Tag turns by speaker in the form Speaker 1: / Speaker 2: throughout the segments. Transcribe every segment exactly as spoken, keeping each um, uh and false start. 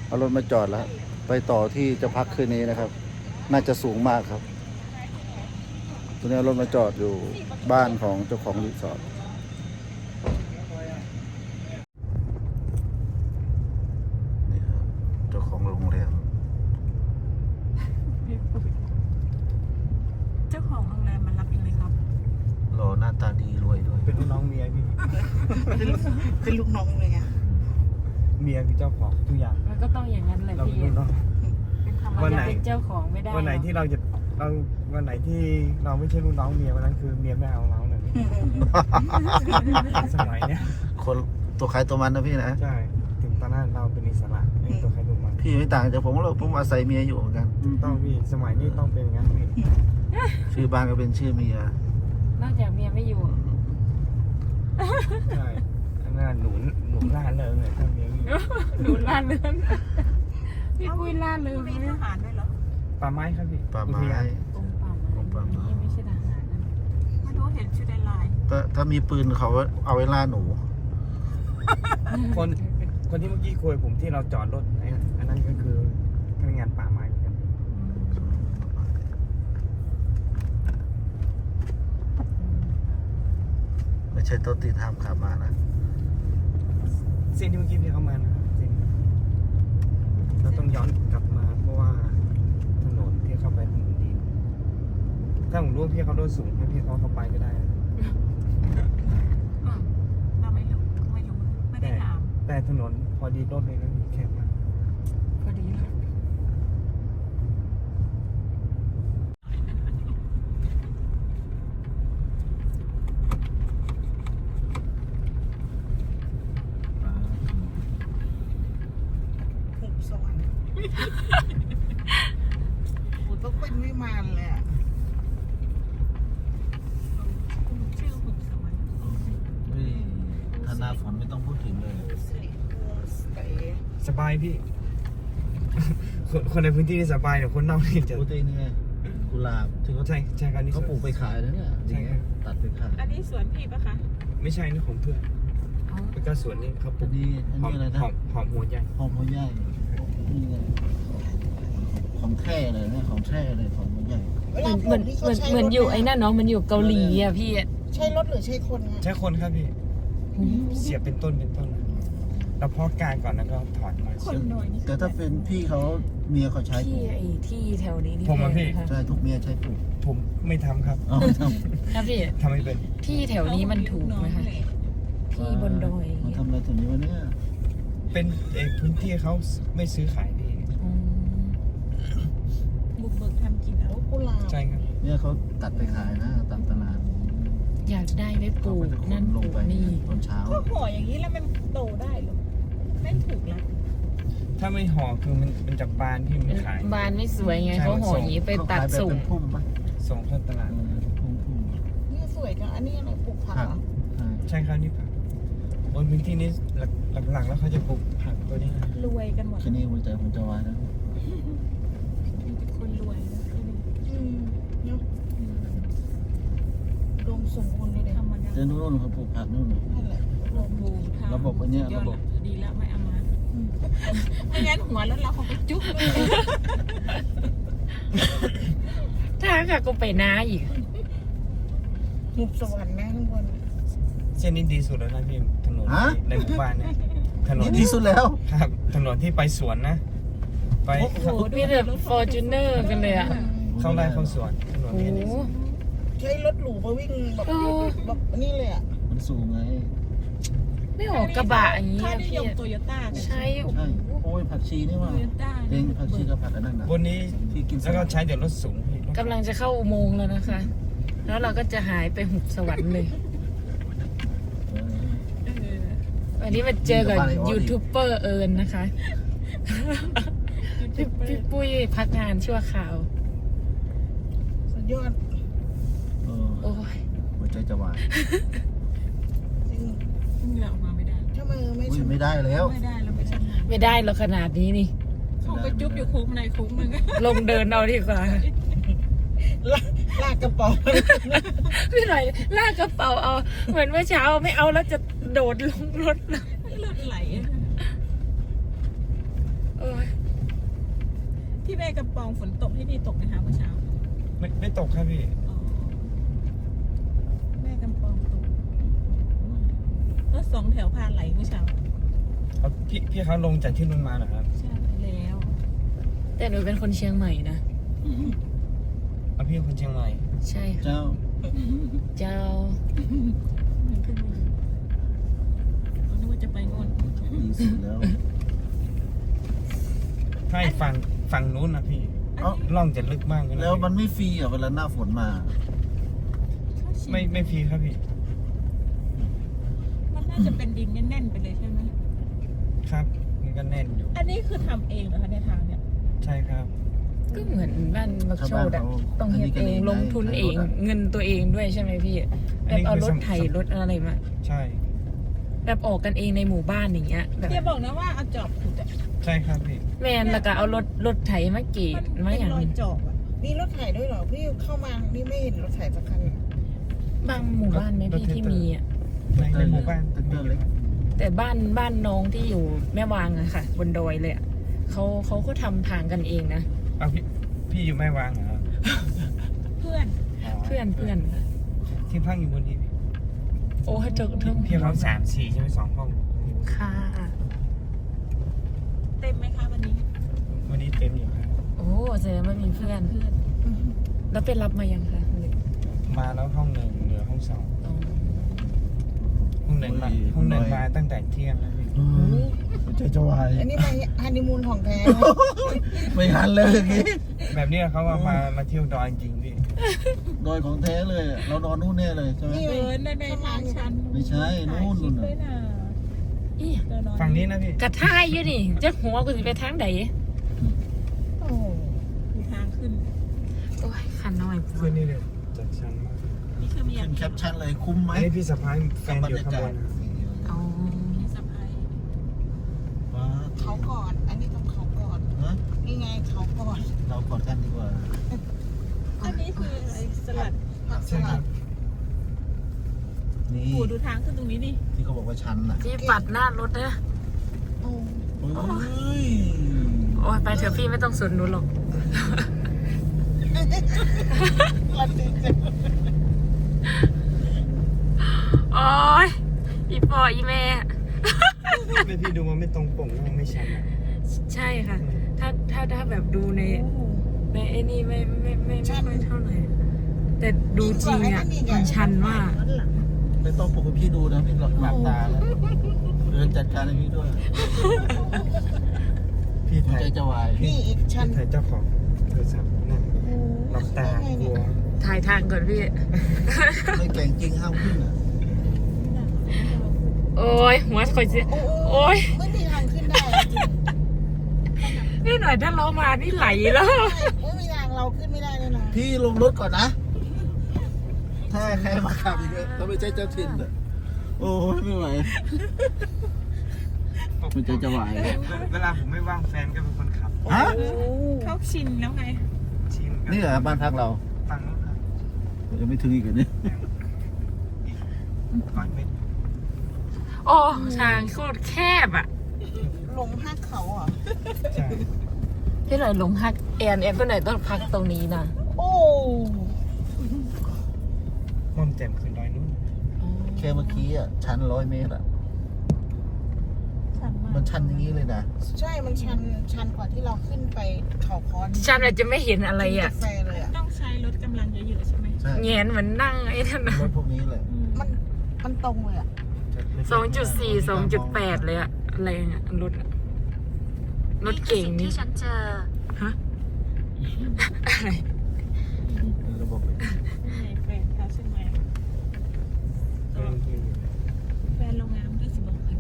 Speaker 1: เอารถมาจอดแล้วไปต่อที่จะพักคืนนี้นะครับ น่าจะสูงมากครับตัวนี้เอารถมาจอดอยู่บ้านของเจ้าของรีสอร์ทนี่ครับเจ้าของโรงแรม
Speaker 2: เจ้าของโรงแรมมารับเองเลยครับ
Speaker 1: หล่อหน้าตาดีรวยด้วย
Speaker 3: เป็นลูกน้องเมียพี่
Speaker 2: เป็นลูกเป็นลูกน้องเลยไง
Speaker 3: เมียคือเจ้าของทุกอย่าง
Speaker 4: มันก็ต้องอย่างนั้นแหละ
Speaker 3: เราเป็น
Speaker 4: พี่
Speaker 3: ลูกน้อง
Speaker 2: เป็นธรรม
Speaker 3: วันไหน
Speaker 2: ดา
Speaker 4: เป็นเจ้าของไม่ได้
Speaker 3: วันไหนที่เราจะเราวันไหนที่เราไม่ใช่ลูกน้องเมียวันนั้นคือเมียไม่เอาเราเลยสมัยเนี้ย
Speaker 1: คนตัวใครตัวมันนะพี่นะ
Speaker 3: ใช่ถึงตอนนั้นเราเป็นอิสระไม่ตัวใครตัวมัน
Speaker 1: พี่ไม่ต่างจากผมหรอกผมอาศัยเมียอยู่เหมือนกัน
Speaker 3: ต้องพี่สมัยนี้ต้องเป็นอย่างนั้นพี่
Speaker 1: ชื่อบ้านก็เป็นชื่อเมีย
Speaker 4: นอกจากเมียไม่อยู่
Speaker 3: ใช่อันนั้นหนุนหนุนล่าเริงเลยถ้าเมียไม่อยู่
Speaker 4: หนูล่าเริงพี่ปุ้ยล่าเริง
Speaker 2: มีทหารด้วยเหรอ
Speaker 3: ป่าไม้ครับพี่
Speaker 1: ป่าไม้
Speaker 3: อุทยน
Speaker 4: กรมป่าไม้
Speaker 1: กรมป่าไม้
Speaker 4: นี่ไม่ใช่ทหารนะ
Speaker 2: ไม่รู้เห็นชื่อในไลน์
Speaker 1: ถ้าถ้ามีปืนเขาเอาไว้ล่าหนู
Speaker 3: คนคนที่เมื่อกี้คุยผมที่เราจอดรถไอ้อันนั้นก็คือพนักงานป่าไม้เหมือนกัน
Speaker 1: ไม่ใช่ต้นตีนห้ามขับมานะ
Speaker 3: เส้นที่เมื่อกี้พี่เข้ามานะครับเส้นเราต้องย้อนกลับมาเพราะว่าถนนที่เข้าไปถนนดีถ้าผมรู้ว่าพี่เขาโดนสูงให้พี่เขาเข้าไปก็ได้
Speaker 2: อืมเราไม่รู้ไม่รู้ไม่ได้ถาม
Speaker 3: แต่ถนนพอดีรถเลยนะแคบมาก
Speaker 4: พอดีเลย
Speaker 2: หุบสวรรค์หุบต้องเป็นวิมานเลยอ่ะชื่อหุบสวรรค์
Speaker 1: ถ้าหน้าฝนไม่ต้องพูดถึงเลย
Speaker 2: สิริโฮมสเตย์
Speaker 3: สบายพี่ คนคนในพื้นที่นี่สบายแต่คนนอกนี่จะ
Speaker 1: พูดเองนี่ไงกุหลาบที่เขา
Speaker 3: ใช่ใช่ครับนี่
Speaker 1: เขาปลูกไปขายนะเนี่ย
Speaker 3: ใช่ครับ
Speaker 1: ตัดไปขาย
Speaker 2: อันนี้สวนพี่ปะคะ
Speaker 3: ไม่ใช่นี่ของเพื่อนแล้วก็สวนนี่เขาปลู
Speaker 1: อั
Speaker 3: ก
Speaker 1: นนี้อัน
Speaker 3: หอ
Speaker 1: นี้
Speaker 3: ม
Speaker 1: อะไรนะ
Speaker 3: หอมหอมหัวใหญ่
Speaker 1: หอมหัวใหญ่นี่ไงของแท้เลยเนี่ยของแท้เลยของหัวใหญ่
Speaker 4: เหมือนเหมือนเหมือนเหมือนอยู่ไอ้นั่นเนาะมันอยู่เกาหลีอ่ะพี่
Speaker 2: ใช่รถหรือใช่คนไง
Speaker 3: ใช่คนครับพี่ เสียบเป็นต้นเป็นต้นนะแล้วเพาะกลางก่อนแล้วก็ถอนมา
Speaker 2: คนหน่อยนี่
Speaker 1: แต่ถ้าเป็นพี่เขาเมียเขาใช้ปลู
Speaker 4: ที่
Speaker 1: ก
Speaker 4: ไอ้ที่แถวนี้นี่
Speaker 3: ผมอะพี่
Speaker 4: แพงนะคะ
Speaker 1: ใช่ทุกเมียใช้ปลูก
Speaker 3: ผมไม่ทำครับ
Speaker 1: เอาไม่ท
Speaker 4: นะพี่
Speaker 3: ทำไม่เป็น
Speaker 4: ที่แถวนี้มันถูกไหมคะ
Speaker 1: ำ
Speaker 4: ที่บนดอย
Speaker 1: มาทำอะไรตรงนี้วะเนี่ย
Speaker 3: เป็นเอกพื้นที่เขาไม่ซื้อขายพี่
Speaker 4: อืม
Speaker 2: บุกเบิกทำกินเอากุหลาบ
Speaker 3: ใช่ครับ
Speaker 1: เนี่ยเขาตัดไปขายนะตามตลาด
Speaker 4: อยากได้ไว้ปลู
Speaker 1: เขา
Speaker 4: ก
Speaker 1: ก็จะข
Speaker 4: นั่
Speaker 1: น
Speaker 4: นป
Speaker 1: ล
Speaker 4: ลู
Speaker 1: ง
Speaker 4: ก
Speaker 1: ไป
Speaker 4: นี่
Speaker 1: ตอนเช้า
Speaker 2: ก็ห่ออย่างนี้แล้วมันโตได้หรอไม่ถูกแล้ว
Speaker 3: ถ้าไม่ห่อคือมันมันจะบานที่มันขาย
Speaker 4: บานไม่สวยไง
Speaker 3: ใช่
Speaker 4: เขาห่ออย่างนี้ไปตัด
Speaker 1: เขาขายแบบ
Speaker 4: ส่ง
Speaker 1: เป็นพุ่มปะ
Speaker 3: ส่งเข้าตลาด
Speaker 1: เออพุ่มพุ่ม
Speaker 2: นี่สวยจังอันนี้อะไรปลูกผัก
Speaker 1: ผัก
Speaker 2: เหรอ
Speaker 1: ใช่
Speaker 3: ใช่ครับนี่ผักบนพื้นที่นี้หลักหลักๆแล้วเขาจะปลูกผักตัวนี้นะ
Speaker 2: รวยกันหมด
Speaker 1: แค่นี้หัวใจผมจะวายแล้ว
Speaker 2: มีแต่คนรวยนะอืมเนาะรวมสมบูรณ์เลยเด็ธรรมดา
Speaker 1: เจ้านู่นเขาปลูกผักนู่นน่ะ
Speaker 2: นั่นแหละรวมบูทำ
Speaker 1: ระบบอันเนี้ยระบบ
Speaker 2: ดีแล้วไม่เอามาไม่งั้นหัวรถเราคงไปจุ๊บเลย
Speaker 4: ถ้าค่ะก็ไปนาอีก
Speaker 2: หุบสวรรค์นะข้างบน
Speaker 3: เส้นนี้ดีสุดแล้วนะพี่ถนนในหมู่บ้านเนี่ยถนน
Speaker 1: นี่ที่สุดแล้ว
Speaker 3: ครับถนนที่ไปสวนนะ ไป
Speaker 4: โอ้โหมีแต่ฟอร์จูเนอร์กันเลยอ่ะ
Speaker 3: เข้าไร่เข้าสวนถนน
Speaker 4: โอ้
Speaker 3: นี้
Speaker 4: โห
Speaker 3: ดีสุด
Speaker 2: ใช้รถหรูมาวิ่งแบบ
Speaker 4: เออ
Speaker 2: แบบนี่เลยอ่ะ
Speaker 1: มันสูงไง
Speaker 4: ไม่ออกกระบะอย่างนี้
Speaker 2: ค่า
Speaker 4: อะ
Speaker 2: นิ
Speaker 4: พี่
Speaker 2: ยมโตโยต้ากัน
Speaker 4: ใช่โอ้โห
Speaker 1: ใช่โอ้ยผักชีนี่
Speaker 2: โต
Speaker 1: ว่า
Speaker 2: โยต้า
Speaker 1: เองผักชีกับผักอันนั้นนะ
Speaker 3: บนนี้
Speaker 1: ที่กิน
Speaker 3: แล้วก็ใช้เดี๋ยวรถสูงพี่
Speaker 4: กำลังจะเข้าอุโมงค์แล้วนะคะ แล้วเราก็จะหายไปหุบสวรรค์เลย
Speaker 1: เออ
Speaker 2: เออ
Speaker 4: วันนี้มาเจอกับยูทูบเบอร์เอิญนะคะพี่พี่ปุ้ยพักงานชั่วคราว
Speaker 2: สุดยอด
Speaker 1: เออ
Speaker 4: โอ้ย
Speaker 1: หัวใจจะวาย
Speaker 2: จริงเหงื่อออกมาไม่ได้ถ้ามือไม่
Speaker 1: อุ้ย
Speaker 2: ชำ
Speaker 1: ไม่ได้แล้ว
Speaker 2: ไม่ได้เราไม่ชำนาญ
Speaker 4: ไม่ได้หรอกขนาดนี้นี่
Speaker 2: เขาไปจุ๊บอยู่คุ้มในคุ้มมึง
Speaker 4: ลงเดินเอาดีกว่า
Speaker 2: ลากลากกระเป๋า
Speaker 4: พี่หน่อยลากกระเป๋าเอา เหมือนเมื่อเช้าไม่เอาแล้วจะโดดลงรถแล้ว
Speaker 2: เลือดไหล
Speaker 4: โอ้ย
Speaker 2: แม่กำปองฝนตกที่นี่ตกไหมคะเมื่อเช้า
Speaker 3: ไม่ไม่ตกครับพี่
Speaker 2: อ๋อแม่กำปองตกรถสองแถวพาไหลเมื่อเช้า
Speaker 3: เอาพี่พี่เขาลงจากที่นู่นมาเหรอครับ
Speaker 2: ใช่แล้ว
Speaker 4: แต่หนูเป็นคนเชียงใหม่นะ
Speaker 3: เอาพี่เป็นคนเชียงใหม่
Speaker 4: ใช่ค่ะ
Speaker 1: เจ้า
Speaker 4: เจ้า
Speaker 2: มันขึ้นมาอยู่เรานึกว่าจะไปโน่น
Speaker 1: ดีสุดแล้ว
Speaker 3: ถ้าไอ้ฝั่งฝั่งนู้นนะพี่
Speaker 1: เอ้า
Speaker 3: ล่องจะลึกมากเลยนะ
Speaker 1: แล้วมันไม่ฟรีเหรอ่ะเวลาหน้าฝนมา
Speaker 3: ไม่ไม่ฟรีครับพี่
Speaker 2: มันน่าจะเป็นดินแน่นๆไปเลยใช่ไหม
Speaker 3: ครับ มันก็แน่นอยู่
Speaker 2: อันนี้คือทำเองเหรอคะในทางเนี่ย
Speaker 3: ใช่ครับ
Speaker 4: ก็เหมือนบ้านบักโชดอะ
Speaker 1: ชาวบ้านเขา
Speaker 4: ต้องเฮ็ดเอง
Speaker 1: อันนี้ก็
Speaker 4: ลงทุนเอง
Speaker 1: ได้
Speaker 4: เงินตัวเองด้วยใช่ไหมพี่
Speaker 3: อั
Speaker 4: แบ
Speaker 3: นนี้
Speaker 4: บเอา
Speaker 3: คือ
Speaker 4: รถไถ
Speaker 3: สำ
Speaker 4: รถอะไรมา
Speaker 3: ใช่
Speaker 4: แบบออกกันเองในหมู่บ้านอย่างเงี้ยแบบ
Speaker 2: เดี๋ยวบอกนะว่าเอาจอบขุดอะ
Speaker 3: ใช่ครับพี่
Speaker 4: แมนแล้วก็เอารถรถไถมากรีด
Speaker 2: มัน
Speaker 4: มา
Speaker 2: เป็น
Speaker 4: อย่าง
Speaker 2: รอยจอบอะ
Speaker 5: มีรถไถด้วยเหรอ พี่เข้ามา นี่ไม่เห็นรถไถสักคันเลย
Speaker 4: บางหมู่บ้านไหมพี่ที่มีอะ
Speaker 3: ในในหมู่บ้าน
Speaker 1: ตึกเดินเล็ก
Speaker 4: แต่บ้านบ้านน้องที่อยู่แม่วางอะค่ะ บนดอยเลยอะเขาเขาก็ทำทางกันเองนะ
Speaker 3: เอาพี่พี่อยู่แม่วางเหรอ
Speaker 2: เพื่อน
Speaker 4: เพื่อนเพื่อนค่ะ
Speaker 3: ที่พักอยู่บนนี้พี่
Speaker 4: โอ้เจอเทิง
Speaker 3: พี่เขาสามสี่ใช่ไหมสองห้อง
Speaker 4: ค่ะ
Speaker 2: เต็มไหมคะวันนี้
Speaker 3: วันนี้เต็มอยู่ครับ
Speaker 4: โอ้แสดงว่ามีเพื่อน
Speaker 2: เพื่อน
Speaker 4: แล้วไปรับมายังคะ
Speaker 3: มาแล้วห้องหนึ่งเหลือห้องสอง
Speaker 4: อ๋อ
Speaker 3: ห้องหนึ่งมาห้องหนึ่งมาตั้งแต่เที่ยงแล้วพี่
Speaker 1: ใจจะวาย
Speaker 5: อันนี้มาฮันนีมูนของแท้
Speaker 1: ไม่หันเลยอย่างนี้
Speaker 3: แบบนี้เขาว่ามามาเที่ยวดอยจริงพี่
Speaker 1: ดอยของแท้เลยอะเรานอนนู่นแน่เลยใช่ไหม
Speaker 5: นี่
Speaker 2: เดินได้ในทางชัน
Speaker 1: ไม่ใช่นู่นนู่นน่ะ
Speaker 2: ถ่ายคลิปด้วยนะ
Speaker 4: อี
Speaker 2: เดินนอน
Speaker 3: ฝั่งนี้นะพี่
Speaker 4: กระท่ายอยู่นี่จะหัวกูจะไปทางใด
Speaker 5: โอ้
Speaker 2: มีทางขึ้น
Speaker 4: โอ้ยขันน้อย
Speaker 3: ขึ้นนี่เลยจัดชั้นมาก
Speaker 2: นี่คือมีอ
Speaker 1: ขึ้
Speaker 2: ย่าง
Speaker 1: นแคปชั่นเลยคุ้มไหม
Speaker 3: อันนี้พี่สะพ้ายแฟ
Speaker 1: กับบร
Speaker 3: นอยู่
Speaker 1: รยา
Speaker 3: ข้าง
Speaker 1: กา
Speaker 3: บ
Speaker 1: ศ
Speaker 3: น
Speaker 4: อ๋อ
Speaker 2: พี่สะพาย
Speaker 1: ว้า
Speaker 5: เขาก่อน อันนี้ต้องเขาก่อน
Speaker 1: ฮะ
Speaker 5: นี่ไงเขาก่อน
Speaker 1: เรากอดกันดีกว่า
Speaker 2: อันนี้คืออะไรสลัด
Speaker 5: ผักส
Speaker 3: ใช่ค
Speaker 5: ลั
Speaker 3: รั
Speaker 5: ด
Speaker 3: บ
Speaker 1: นี่
Speaker 2: โอ้ดูทางขึ้นตรงนี้นี่
Speaker 1: ที่เขาบอกว่าชันน่ะ
Speaker 4: พี่ปัดหน้ารถนะ
Speaker 5: โอ้
Speaker 1: เฮ้ย
Speaker 4: โอ้ยไปเถอะพี่ไม่ต้องสนหนูหรอก
Speaker 5: ลันติด
Speaker 4: โอ้ยอีปออีแม่
Speaker 3: ไม่พี่ดูมันไม่ตรงปกมันไม่ชันอะ
Speaker 4: ใช่ค่ะ ถ้าถ้าถ้าแบบดูในในไอ้นี่ไม่ไม่ไม่ไม่ค่อยเท่าไหร่ แต่ดูจริงอ่ะมันชันมาก
Speaker 1: ไม่ต้องปลุกให้พี่ดูนะพี่หลับหลับตาแล้วเดินจัดการให้พี่ด้วย
Speaker 3: พี่
Speaker 1: หัว
Speaker 3: ถ่าย
Speaker 1: ใจจะวาย
Speaker 5: นี่อีกชั้น
Speaker 3: พี่ถ่ายเจ้าของโทรศัพท์นั่นหลับตากลัว
Speaker 4: ถ่ายทางก่อนพี่
Speaker 1: ไม่แก่งจริงห้ามขึ้นอ่ะ
Speaker 4: โอ้ยหัวคอยเสีย
Speaker 5: โอ้
Speaker 4: โอ้ย
Speaker 5: ไม่มีทางขึ้นได้จริง
Speaker 4: นี่หน่อยถ้าเรามานี่ไหลแล้ว
Speaker 5: ไม่มีทางเราขึ้นไม่ได้แน่นอน
Speaker 1: พี่ลงรถก่อนนะ ถ้าใครมาขับอีกอะถ้าไม่ใช่เจ้าถิ่นอ่ะโอ้ยไม่ไหวมันใจจะวาย
Speaker 3: เวลาผมไม่ว่างแฟนก็เป็นคนขับ
Speaker 1: ฮะ
Speaker 2: เขาชินแล้วไง
Speaker 3: ชิม
Speaker 1: นี่เหรอบ้านพักเรา
Speaker 3: ฟังนู้นครับ
Speaker 1: ยังไม่ถึงอีกเหรอเนี่ย
Speaker 3: อีกร้อยเมตร
Speaker 4: โอ้ทางโคตรแคบอ่ะ
Speaker 5: ลงห้าเขาเหรอ
Speaker 3: ใช่
Speaker 4: พี่หน่อยลงพักแอนแอนก็หน่อยต้องพักตรงนี้นะ
Speaker 5: โอ้
Speaker 3: ม่อมแจ่มขึ้นดอยนู้น
Speaker 1: แค่เมื่อกี้อ่ะชันร้อยเมตรอ่ะ
Speaker 2: ชันมาก
Speaker 1: มันชันอย่างนี้เลยนะ
Speaker 5: ใช่ มันชัน ชันกว่าที่เราขึ้นไปเขาคอน
Speaker 4: ฉันอาจจะไม่เห็นอะไรอ่ะ
Speaker 5: กาแฟเลยอ่ะ
Speaker 2: ต้องใช้รถกำลังเยอะๆใช่ไหม
Speaker 1: ใช่
Speaker 4: เงียนเหมือนนั่งไอ้นั่นนะ
Speaker 1: รถพวกนี้แหละ
Speaker 2: อืม
Speaker 5: มัน มันตรงเลยอ่ะ
Speaker 4: สองจุดสี่สองจุดแปดเลยอะอะไรเงี้ยรถอะรถเก่งนี่ฉันเจอฮะอะไร
Speaker 1: เป็นระบบ
Speaker 2: นี่ไงแฟนเขาใช่ไหม
Speaker 3: แฟนพี่
Speaker 2: แฟนโรงงานก็สิบอกเลย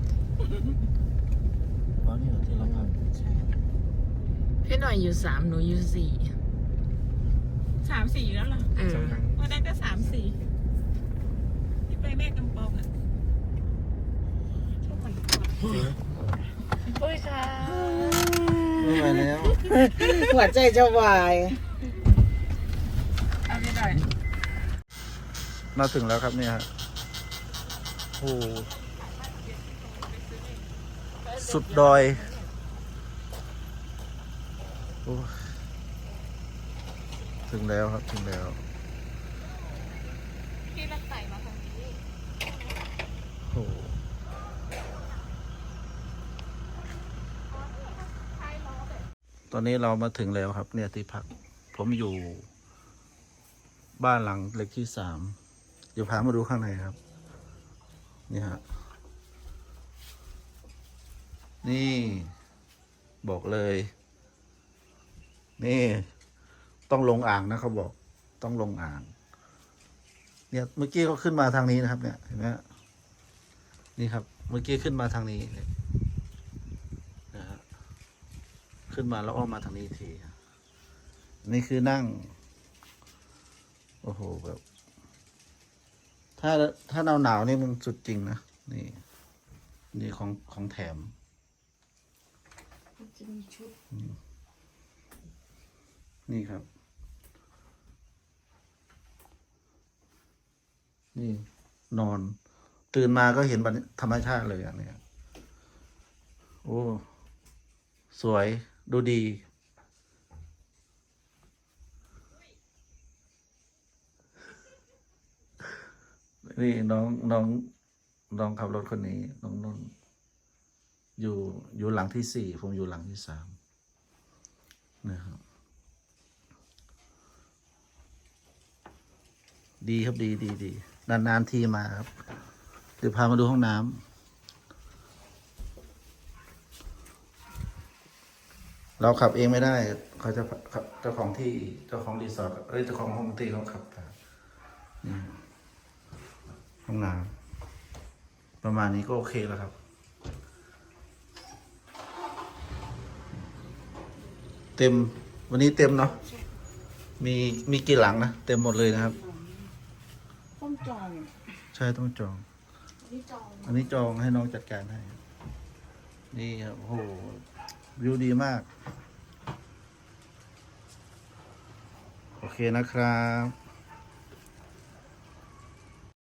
Speaker 1: เพราะนี่เหรอที่เราพัก
Speaker 5: ใช่
Speaker 4: พี่หน่อยอยู่สามหนูอยู่สี่
Speaker 2: สามสี่อยู่แล้วเหรอ
Speaker 4: เออ
Speaker 3: สำคัญ
Speaker 2: วันนั้นก็สามสี่ที่ไปแม่กำปองอ่ะชอบคนกอด
Speaker 4: โอ้ยค่ะ
Speaker 1: ไม่ไหวแล้ว
Speaker 5: หัวใจจะวาย
Speaker 4: เอาพี่หน่อย
Speaker 1: มาถึงแล้วครับเนี่ยฮะโอ้สุดดอยโอ้ถึงแล้วครับถึงแล้ว
Speaker 2: พี่รักไต่มาทางนี้
Speaker 1: โอ้ตอนนี้เรามาถึงแล้วครับ เนี่ยที่พัก ผมอยู่ บ้านหลังเล็กที่สาม เดี๋ยวพามาดูข้างในครับ นี่ฮะ นี่ บอกเลย นี่ ต้องลงอ่างนะเขาบอก ต้องลงอ่าง เนี่ยเมื่อกี้เขาขึ้นมาทางนี้นะครับ เนี่ยเห็นไหมฮะนี่ครับ เมื่อกี้ขึ้นมาทางนี้เนี่ยนะฮะขึ้นมาแล้วอ้อมมาทางนี้อีกทีนี่คือนั่ง โอ้โหแบบ ถ้าถ้าหนาวหนาวนี่มันสุดจริงนะ นี่ นี่ของของแถม
Speaker 5: จะมีชุด
Speaker 1: นี่ครับ นี่ นอน ตื่นมาก็เห็นบรรยธรรมชาติเลยอ่ะเนี่ยโอ้ สวยดูดี นี่น้องน้องน้องขับรถคนนี้ น้องนุ่น อยู่อยู่หลังที่สี่ ผมอยู่หลังที่สามนะครับ ดีครับดีดีดีนานๆทีมาครับ เดี๋ยวพามาดูห้องน้ำเราขับเองไม่ได้ เขาจะเจ้าของที่เจ้าของรีสอร์ทเอ้ยเจ้าของห้องที่เขาขับครับนี่ห้องน้ำประมาณนี้ก็โอเคแล้วครับ เต็มวันนี้เต็มเนาะมีมีกี่หลังนะเต็มหมดเลยนะครับ
Speaker 5: ต้องจอง
Speaker 1: ใช่ต้องจอง
Speaker 5: นี่จอง
Speaker 1: อันนี้จองให้น้องจัดการให้ นี่ครับโอ้โห วิวดีมาก โอเคนะครับ